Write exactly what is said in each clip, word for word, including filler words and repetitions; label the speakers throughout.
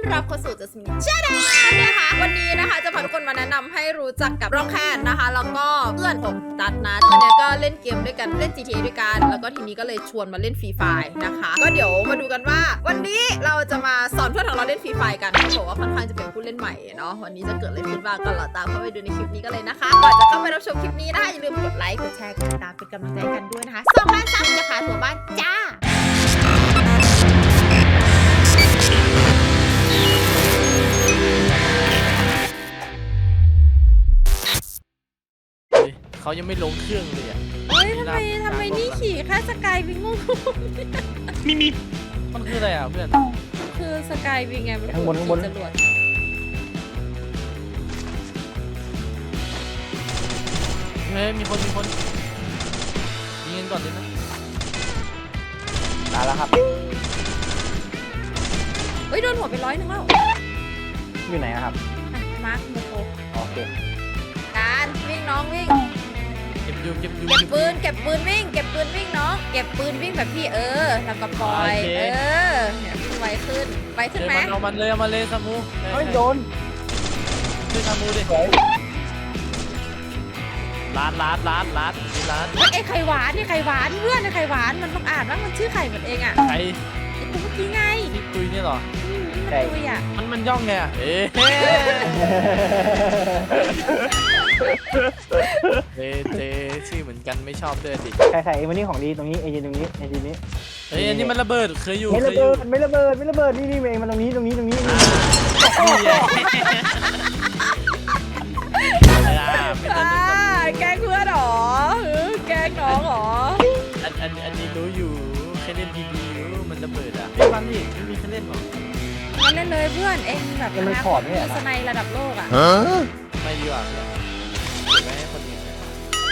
Speaker 1: รับเข้าสู่ Just Minute Channel นะคะวันนี้นะคะจะพาทุกคนมาแนะนำให้รู้จักกับร็อกแคนนะคะแล้วก็เพื่อนผมตัดนะตอนนี้ก็เล่นเกมด้วยกันเล่น จี ที เอ ด้วยกันแล้วก็ทีนี้ก็เลยชวนมาเล่นฟรีไฟร์นะคะก็เดี๋ยวมาดูกันว่าวันนี้เราจะมาสอนเพื่อนของเราเล่นฟรีไฟร์กันเขาบอกว่าค่อนข้างจะเป็นผู้เล่นใหม่เนาะวันนี้จะเกิดอะไรขึ้นบ้างก็รอตามเข้าไปดูในคลิปนี้กันเลยนะคะก่อนจะเข้าไปรับชมคลิปนี้นะคะอย่าลืมกดไลค์กดแชร์กดติดตามเป็นกำลังใจกันด้วยนะคะสองล้านซับจะพาทัวร์บ้านจ้า
Speaker 2: เขายังไม่ลงเครื่องเลยอ่ะ
Speaker 1: เฮ้ยทำไมทำไมนี่ขี่แค่สกายวิงงง
Speaker 2: มีมีมันคืออะไรอ่ะเพื่อน
Speaker 1: คือสกายวิงไงมัน
Speaker 3: ข้างบนข้างบน
Speaker 1: จรวด
Speaker 2: เฮ้ยมีคนมีคนยิงกันก่อนเลยนะ
Speaker 3: ตายแล้วครับ
Speaker 1: เฮ้ยโดนหัวไปร้อยหนึงแล้ว
Speaker 3: อยู่ไหนอะครับ
Speaker 1: อ่ะมาร์คโมโค
Speaker 3: โอเค
Speaker 1: การวิ่งน้องวิ่ง
Speaker 2: เก็บยูเก็บยู
Speaker 1: เก็บปืนเก็บปืนวิ่งเก็บปืนวิ่งน้องเก็บปืนวิ่งแบบพี่เออแล้วก็ปล่อยเออเนี่ยวิ่งไวขึ้นไวขึ้น
Speaker 2: เจอ
Speaker 1: ไหม
Speaker 2: มันเอามันเลยเอามันเลยซามู
Speaker 3: เฮ้ยโดน
Speaker 2: ช่วยซามูดิ
Speaker 3: สวย
Speaker 2: ร้านร้านร้านร้านมีร้าน
Speaker 1: เฮ้ยไอ้ไข่หวานนี่ไข่หวานเพื่อนไอ้ไข่หวานมันต้องอ่านว่ามันชื่อไข่เหมือนเองอ่ะ
Speaker 2: ใคร
Speaker 1: ไอ้ตัวเมื่อกี้ไง
Speaker 2: ที่ตุยนี่เหรอ
Speaker 1: อืมนี่มันตุยอ่ะ
Speaker 2: มันมันย่องไงอ่ะเอ๊ะเจเจชื่อเหมือนกันไม่ชอบด้วยดิ
Speaker 3: ใครใครเอ็มวันนี้ของดีตรงนี้เอเจนตรงนี้เอเจนนี้
Speaker 2: เฮ้ยอันนี้มันระเบิดเคยอยู่
Speaker 3: ไม่
Speaker 2: เค
Speaker 3: ระ
Speaker 2: ยอ
Speaker 3: เบิ
Speaker 2: ยู่
Speaker 3: ดไม่ระเบิดไม่ระเบิดนี่นี่เองมันตรงนี้ตรงนี้ตรงนี้
Speaker 2: นี่ไงไม่ต้
Speaker 1: อ่า
Speaker 2: องนึกซามู
Speaker 1: แกล้งเพื่อนเหรอเออแกล้งน้องเหรอ
Speaker 2: อันอันอันนี้รู้อยู่เคยเล่นพีบีอยู่มันระเบิดอ่ะไม่มันนี่ไม่มีใครเล่นหรอ
Speaker 1: มาเล่นเลยเพื่อนเองแบบ
Speaker 3: มันขอดเนี่ย
Speaker 1: สไนระดับโลกอ่ะ
Speaker 2: ไม่ดีกว่าเนี่ยเก็บไว้ให้คนอื่นนะ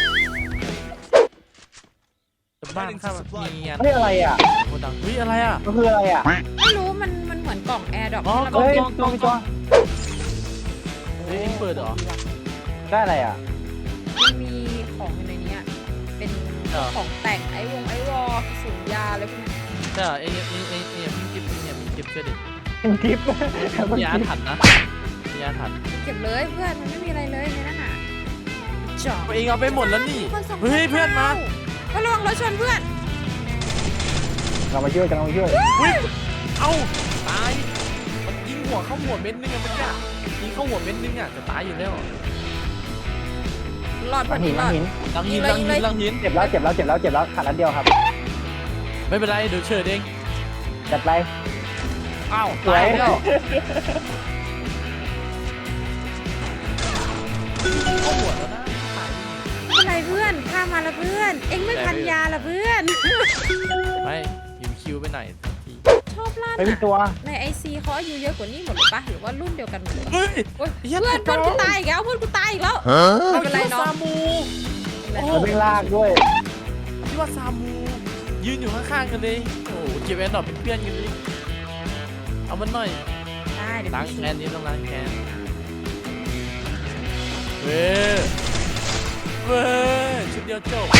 Speaker 2: แต่บ้านข้างมีงาน
Speaker 3: เฮ้ยอะไรอ่ะ
Speaker 2: โคดังอุ้ยอะไรอ่ะ
Speaker 3: มันคืออะไรอ่ะ
Speaker 1: ไม่รู้มันมันเหมือนกล่องแอร์ดรอป
Speaker 2: อ๋อ
Speaker 1: ที่
Speaker 3: เฮ้ย
Speaker 1: เรา
Speaker 3: ตัวตัว
Speaker 2: เฮ้ยเปิดเหรอ
Speaker 3: ได้อะไรอ่ะ
Speaker 1: มันมีของอยู่ในนี้อะเป็น
Speaker 2: เหรอ
Speaker 1: ของแต่งไอวงไอวอลสูงยาอะไรพวกนี้
Speaker 2: ใช่เหรอเอ้ยเอ้ยเอ้ยเอ้ยพี่จิ๊บเนี่ยพี่จิ๊บช่วยดิ
Speaker 3: เป็นทิป
Speaker 2: มีอาถรรพ์นะมีอาถรรพ์
Speaker 1: เก็บเลยเพื่อนมันไม่มีอะไรเลยในนั้นอ่ะจอบ
Speaker 2: ตัวเองเอาไปหมดแล้วนี่
Speaker 1: คนส่ง
Speaker 2: เฮ้ยเพื่อนมา
Speaker 1: ก็ระวังรถชนเพื่อน
Speaker 3: เรามาช่วยกันเรามาช่วย
Speaker 2: อุ้ยเอ้าตายมันยิงหัวเข้าหัวเม็ดนึงอะเมื่อกี้ยิงเข้าหัวเม็ดนึงอะจะตายอยู่แล้ว
Speaker 1: หลอด
Speaker 3: หลังหินหลังหิน
Speaker 2: ลังหินลังหินลังหิน
Speaker 3: เจ็บแล้วเจ็บแล้วเจ็บแล้วเจ็บแล้วขาดนัดเดียวครับ
Speaker 2: ไม่เป็นไรเดี๋ยวเชิญเอง
Speaker 3: จัดไป
Speaker 2: อ้าว
Speaker 3: สวย
Speaker 2: ตายแล้วเข้าหัวแล้วนะตาย
Speaker 1: อะไรเพื่อนข้ามาละเพื่อน เอ็งไม่พันยาละเพื่อน
Speaker 2: ไม่ยิวคิวไปไหนทันที
Speaker 1: ชอบล่า
Speaker 3: ไม่มีตัว
Speaker 1: ในไอซีเขาอายุเยอะกว่านี้หมดเลยปะหรือว่ารุ่นเดียวกันหมดเลย
Speaker 2: เฮ้ย
Speaker 1: โอ๊ย
Speaker 2: เหี้ย
Speaker 1: เพื่อน
Speaker 2: ต
Speaker 1: เพื่อก นกูตายอีกแล้วเพื่อนกูตายอีกแล้ว ไม่เป็นไรเนอะ
Speaker 2: ซามู โอ้
Speaker 3: มันเป็นลากด้วย
Speaker 2: ที่ว่าซามูยืนอยู่ข้างๆกันเลยโอ้โหเก็บแอนดรอปเป็นเพื่อนกันเลยเอามันหน่อย
Speaker 1: ได้เดี๋ยว
Speaker 2: ล้าง
Speaker 1: พี่
Speaker 2: แค้นนี้ต้องล้างแค้นเว้ยเว้ยชุดเดียวจบ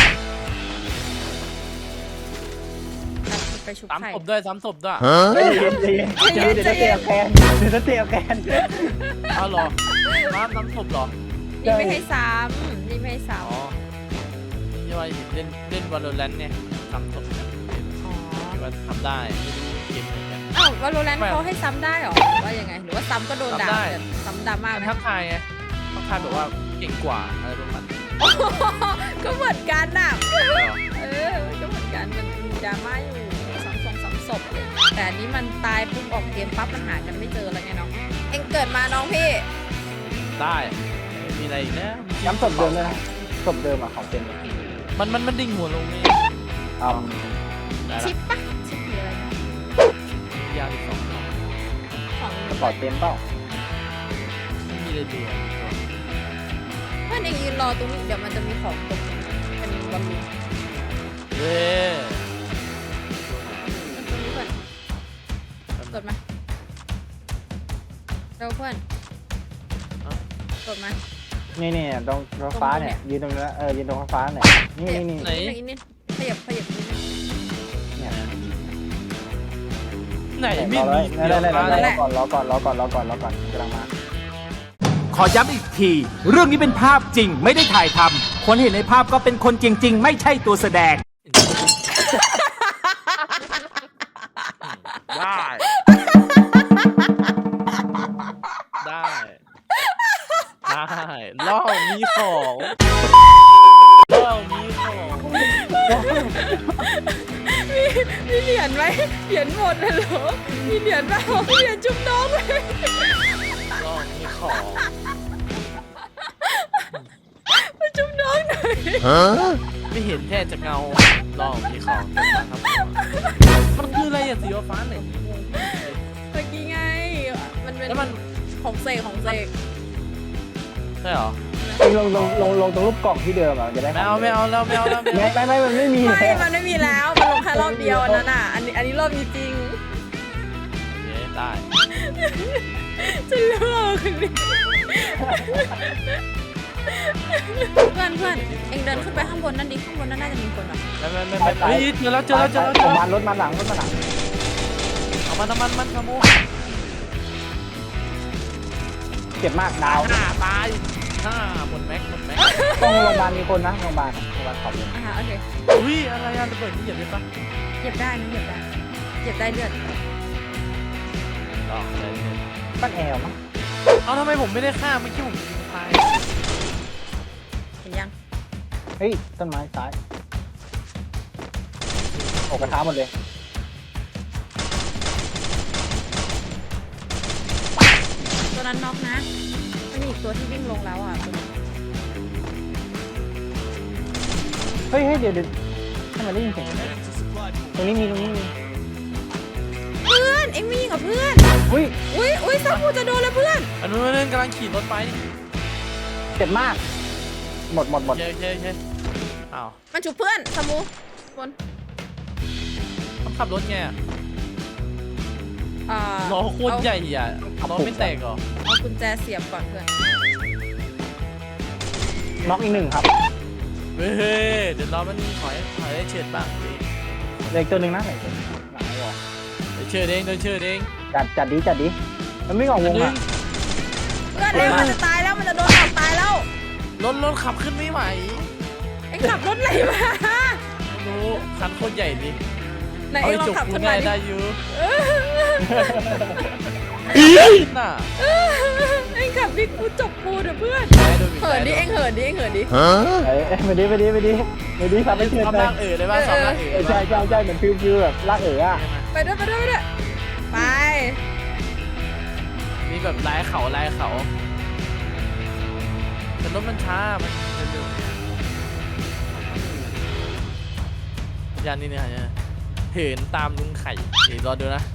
Speaker 1: ไปชุบ
Speaker 2: สาม
Speaker 1: ไข่
Speaker 2: ศพด้วยสามศพด้วย
Speaker 3: ใจเย็นใจเย็นเดี๋ยวจะเตะแกนเดี๋ยวจะเตะแกน
Speaker 2: อ้าวเหรอน้ำน้ำศพเหรอ
Speaker 1: นี่ไม่ให้ซ้ำนี่ไม่ให้ซ้
Speaker 2: อ๋อที่ว่าเล่นเล่นวอลเลนเนี่ยสามศพเนี่ย
Speaker 1: ำอ๋อ
Speaker 2: คิดว่าทำได้ไม่รู้เก็บเหมือนกัน
Speaker 1: อ้าววาโลแรนต์เขาให้ซ้ำได้เหรอหรือว่ายังไง หรือว่าซ้ำก็โดนด่า
Speaker 2: ซ้ำได้
Speaker 1: แต่ซ้ำดราม่าไหม
Speaker 2: ทักทายไงทักทายแบบว่าเก่งกว่าอะไรประมาณนี้
Speaker 1: ก็เหมือนกันน่ะ เออมันก็เหมือนกัน มันมีดราม่าอยู่สองสองสามศพเลยแต่อันนี้มันตายปุ๊บออกเกมปั๊บมันหากันไม่เจอแล้วไงน้อง เอ็งเกิดมาน้องพี่
Speaker 2: ได้ไม่มีอะไรอีกแล้ว
Speaker 3: ย้ำศพเดิมเลยนะศพเดิมอ่ะของเป็น
Speaker 2: มันมันมันดิ่งหัวลงนี่
Speaker 3: อ่า
Speaker 2: ได้
Speaker 1: ชิ
Speaker 2: ละ
Speaker 1: ปปะชิปหรืออะไรนะ
Speaker 2: ยาวอีกสองสอง
Speaker 1: ของ
Speaker 3: สปอร์ตเต็มเปล่า
Speaker 2: ไม่มีเลยเดียว
Speaker 1: เพื่อนเอ็งยืนรอตรงนี้เดี๋ยวมันจะมีของตกเป็นบอลลูน
Speaker 2: เว้ย
Speaker 1: ตรงนี้เพื่อนกดมาเร็วเพื่อนกดมา
Speaker 3: นี่นี่ตรงตรงฟ้าเนี่ยยืนตรงนี้เออยืนตรงฟ้าเนี่ยนี่นี่นี่
Speaker 2: ไหน
Speaker 1: อีกนิดขยับขยับนิดนึง
Speaker 3: เนี่ย
Speaker 2: ไหน
Speaker 3: ร
Speaker 2: ไม่
Speaker 3: อเล
Speaker 2: มี
Speaker 3: ย
Speaker 2: เดี๋
Speaker 3: นั่
Speaker 2: ย
Speaker 3: น
Speaker 2: ว
Speaker 3: แหละ
Speaker 2: มา
Speaker 3: นั่นแห
Speaker 2: แล้
Speaker 3: ละ
Speaker 2: ว
Speaker 3: รอก่อนรอก่อนรอก่อนรอก่อนรอก่อนกำลังมา
Speaker 4: ขอย้ำอีกที เรื่องนี้เป็นภาพจริงไม่ได้ถ่ายทำคนเห็นในภาพก็เป็นคนจริง ๆ ไม่ใช่ตัวแสดง
Speaker 2: ได้ ได้ ได้ล่อมีของล่อมีของ
Speaker 1: มีมีเหรียญไหมเหรียญหมดเลยเหรอมีเหรียญเปล่ามีเหรียญจุ๊บน้องเลย
Speaker 2: ล่อมีของ
Speaker 1: มาจุ๊บน้องหน่อย
Speaker 2: ไม่เห็นแค่จะเงาล่อมีของครับมันคืออะไรอะสีฟ้าเนี่ย
Speaker 1: เมื่อกี้ไงมันเป็น
Speaker 2: แล้วมัน
Speaker 1: ของเสกของเสก
Speaker 2: ใช่เหรอ
Speaker 3: ลงลงลงลงตรงรูปกล่องที่เดิมอ่ะจะได้
Speaker 2: ไม่เอาไม่เอาแล้วไม่เอาแล้วไม่
Speaker 3: ไม่
Speaker 2: เอา
Speaker 3: ไม่ไม่มันไม่มี
Speaker 1: ไม่มันไม่มีแล้วมันลงแค่รอบเดียวอันนั้นอ่ะอันนี้อันนี้รอบนี้จริง
Speaker 2: เย้ได้
Speaker 1: จะเลิกเลยเพื่อนเพื่อนเอ็งเดินขึ้นไปข้างบนนั่นดิข้างบนนั่นน่าจะมีคนอ่ะ
Speaker 2: ไม่ไม่ไม่ไม่เฮ้ยเจอแล้วเจอแล้วเจอแล้วเจอ
Speaker 3: ประ
Speaker 2: แล้ว
Speaker 3: มาณรถมาหลังรถมาหลัง
Speaker 2: เอามันเอามันมันขโมย
Speaker 3: เจ็บมากดาว
Speaker 2: ห้าตายห้าหมดแม็กหมดแม็ก
Speaker 3: ต้องโรงพยาบาลมีคนนะโรงพยาบาลโรงพยาบาลขอบเลย
Speaker 1: อ่าโอเค
Speaker 2: อุ้ยอะไรอะระเบิดนี่เหยียบได้ปะ
Speaker 1: เหยียบได้นะเหยียบได้เหยียบได้เลือด
Speaker 2: ลองเลย
Speaker 3: ปั้นแอลมั้ง
Speaker 2: เอาทำไมผมไม่ได้ฆ่าเมื่อกี้ผมยิงตาย
Speaker 1: เห็นยัง
Speaker 3: เฮ้ยต้นไม้ซ้ายโอกระทะหมดเลย
Speaker 1: ตัวนั้นน็อกนะมันมีอีกตัวที่วิ่งลงแล้วอ่ะตัวนี้
Speaker 3: เฮ้ยเฮ้ยเดี๋ยวเดี๋ยวทำไมได้ยินเสียงตรงนี้มีตรงนี้มี
Speaker 1: เพื่อนเอ็งวิ่งกับเพื่อน
Speaker 3: อุ้ย
Speaker 1: อุ้ยอุ้ยซับกูจะโดนแล้วเพื่อน
Speaker 2: อันนู้นนั่นกำลังขี่รถไปนี่
Speaker 3: เจ็บมาก หมดหมดหมด
Speaker 2: เย้เย้เย้อ้าว
Speaker 1: มันฉุบเพื่อนสมูบน
Speaker 2: ต้องขับรถไงอะ
Speaker 1: อ่า
Speaker 2: ล้อโคตรใหญ่อ่ะล้อไม่แตกเหรอ
Speaker 1: เอากุญแจเสียบก่อนเพื่อน
Speaker 3: น็อกอีกหนึ่งครับ
Speaker 2: เฮ้ยเดี๋ยวเรามันถอยถอยได้เฉียดปากดิ
Speaker 3: เหลืออกตัวหนึ่งนะไหนตัวหนึ่งหลังไม่บอก
Speaker 2: เดี๋ยวเชื่อเด้งเดี๋ยวเชื่อเด้ง
Speaker 3: จัดจัดดีจัดดีมันไม่ออกวง
Speaker 2: นึ
Speaker 3: อ่ะ
Speaker 2: ง
Speaker 1: เพื่อนเร็วมันจะตายแล้วมันจะโดนหลอกตายแล้ว
Speaker 2: รถรถขับขึ้นไม่ไหว
Speaker 1: เอ็งขับรถไหนมา
Speaker 2: ไม่รู้คันโคตรใหญ่ดิ
Speaker 1: ไหน
Speaker 2: เอา
Speaker 1: เอ็ง
Speaker 2: ไป
Speaker 1: ลอง
Speaker 2: จบ
Speaker 1: ขับ
Speaker 2: กู
Speaker 1: ขึ้น
Speaker 2: ได้
Speaker 1: มาดิ
Speaker 2: ได้อยู่
Speaker 1: เออ
Speaker 2: น่ะ
Speaker 1: เอ็งขับดิกูจบกูเดี๋ยวเพื่อน
Speaker 2: ได้โดนบีบ
Speaker 1: เหินดิ
Speaker 2: ได้
Speaker 1: เอ็งเหินดิเอ็งเหินดิ
Speaker 3: เอ้ยไปดิไปดิไปดิไปดิทำ
Speaker 2: ซ้อม
Speaker 3: ให้เชื่อ
Speaker 2: ซ้อม
Speaker 3: ใจ
Speaker 2: ลากเอ๋อเลยป่ะซ้อมลากเอ๋อ
Speaker 3: เออใช่ใช่ใช่เหมือนฟิวฟิวแบบลากเอ๋ออ่ะ
Speaker 1: ไปด้วยไปด้วยไปด้วยไป
Speaker 2: มีแบบลายเขาลายเขาแต่รถมันช้ามันเร็วๆยานนี่เนี่ยเนี่ยเหินตามลุงไข่เดี๋ยวรอดูนะ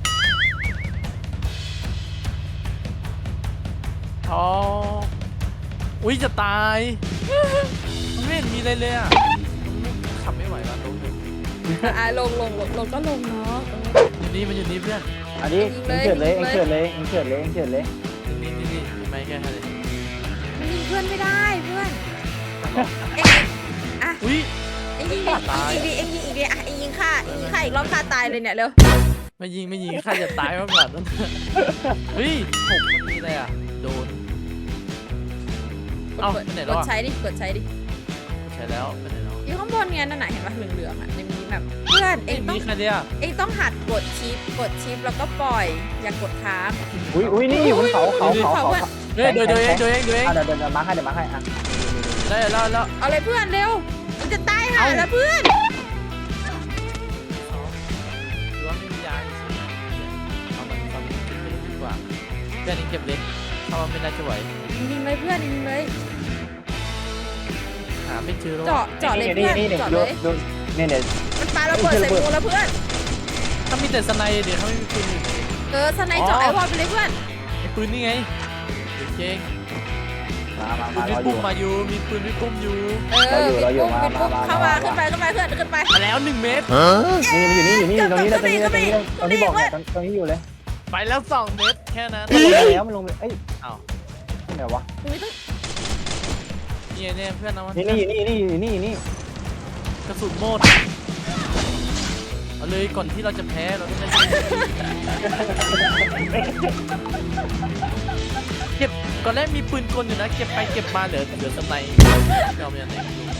Speaker 2: ท้ออุ้ยจะตายมันไม่เห็นมีอะไรเลยอ่ะมันขับไม่ไหวแล้วตรงนี้
Speaker 1: อ่ะลงลงลงลงก็ลงเนาะ
Speaker 2: อยู่นี่มันอยู่นี่เพื่อน
Speaker 3: อันนี้เอ็งเฉิดเลยเอ็งเฉิดเลยเอ็งเฉิดเลยเอ็งเฉิดเลย
Speaker 2: นี่นี่นี่นี่ไม่แค่ไหน
Speaker 1: มันยิงเพื่อนไม่ได้เพื่อนเอ็งอ่ะ
Speaker 2: อุ้ย
Speaker 1: เอ็งยิงดิ
Speaker 2: ตาย
Speaker 1: เอ็งยิงดิเอ็งยิงอีกดิอ่ะเอ็งยิงฆ่าเอ็งยิงฆ่าอีกรอบฆ่าตายเลยเนี่ยเร็ว
Speaker 2: ไม่ยิงไม่ยิงข้าจะตายมาก่อนนั่นเฮ้ยผมมันมีอะไรอ่ะโดน เอ้าก
Speaker 1: ด
Speaker 2: ไปไหน
Speaker 1: ก
Speaker 2: แล้ว
Speaker 1: ด
Speaker 2: อะ
Speaker 1: ใช้ดิกดใช้ดิ
Speaker 2: ใช่แล้วไปไหนแล้ว
Speaker 1: อยู่ข้างบนไงนั่นน่ะเห็นปะเหลืองๆอ่ะในมีแบบเพื่อนเอ็งต้อง
Speaker 2: มีใครเนี่ย
Speaker 1: เอ็งต้องหัดกดชิปกดชิปแล้วก็ปล่อยอย่ากดค้าง
Speaker 3: อุ้ยอุ้ยนี่อยู่บนเขาเขาเขาเขา
Speaker 2: เฮ้ยโดยโดยเองโดยเองโดยเอง
Speaker 3: อ่ะเดี๋ยวเดี๋ยวเดี๋ยวมาให้เดี๋ยวมาให้อ่ะ
Speaker 2: ได้แล้วแล้ว
Speaker 1: เอาเลยเพื่อนเร็วมันจะตายห่าแล้วเพื่อน
Speaker 2: หรือว่าไม่มียาเอามันทำเก็บเล็กดีกว่าเพื่อนนี้เก็บเล็กถ้าว่าไม่น่าจะไหว
Speaker 1: ยิงเลยเพื่อนยิงเลย
Speaker 2: หาไม่เจอแล้ว
Speaker 1: เจาะเจาะเลยเพื่อน
Speaker 3: นี่นี่
Speaker 1: เจาะ
Speaker 3: ดู
Speaker 1: เลย
Speaker 3: ดูนี่เนี่ย
Speaker 1: มันปาระเบิดใส่กูแล้วเพื่อน
Speaker 2: ถ้ามีแต่สไนเดี๋ยวเขาไม่มีปืนอยู่
Speaker 1: เออสไนเจาะไอ้วอลไปเลยเพื่อน
Speaker 2: มีปืนนี่ไงเดี๋ยวเก่ง
Speaker 3: มามา
Speaker 2: ปื
Speaker 3: มาน ร
Speaker 2: พี่
Speaker 3: ออ
Speaker 2: ปุ้
Speaker 3: ยู่
Speaker 2: มมาอยู่มีปืนพี่ปุ้มอยู่
Speaker 1: เออ
Speaker 3: เราอยู่
Speaker 1: ปิด
Speaker 3: เราอยู่
Speaker 1: ปุ๊บ
Speaker 3: มา
Speaker 1: ปิดปุ๊บ
Speaker 3: มา
Speaker 1: เข้ามา
Speaker 3: มา
Speaker 1: ขึ้นไปขึ้นไปเพื่อนขึ้นไป
Speaker 2: มาแล้วหนึ่งเมตร
Speaker 3: นี่มันอยู่นี่อยู่นี่ตรงนี้เลยตรงนี้เลยตรงนี้เลยตรงที่บอกเนี่ยตรงนี้อยู่เลย
Speaker 2: ไปแล้วสองเมตรแค่นั้น
Speaker 3: มันลงไปแล้วมันลงไปเอ้ย
Speaker 2: อ้าว
Speaker 3: ที่ไหนวะ
Speaker 1: อุ้ยต้อง
Speaker 2: นี่เนี่ยเพื่อนเอามา
Speaker 3: นี่นี่อยู่นี่นี่อยู่นี่อยู่นี่
Speaker 2: กระสุนโมดเอาเลยก่อนที่เราจะแพ้เราต้องเล่นเก็บก่อนแรกมีปืนกลอยู่นะเก็บไปเก็บมาเหลือเหลือสไนเปอร์เราไม่เอาไหนไม่รู้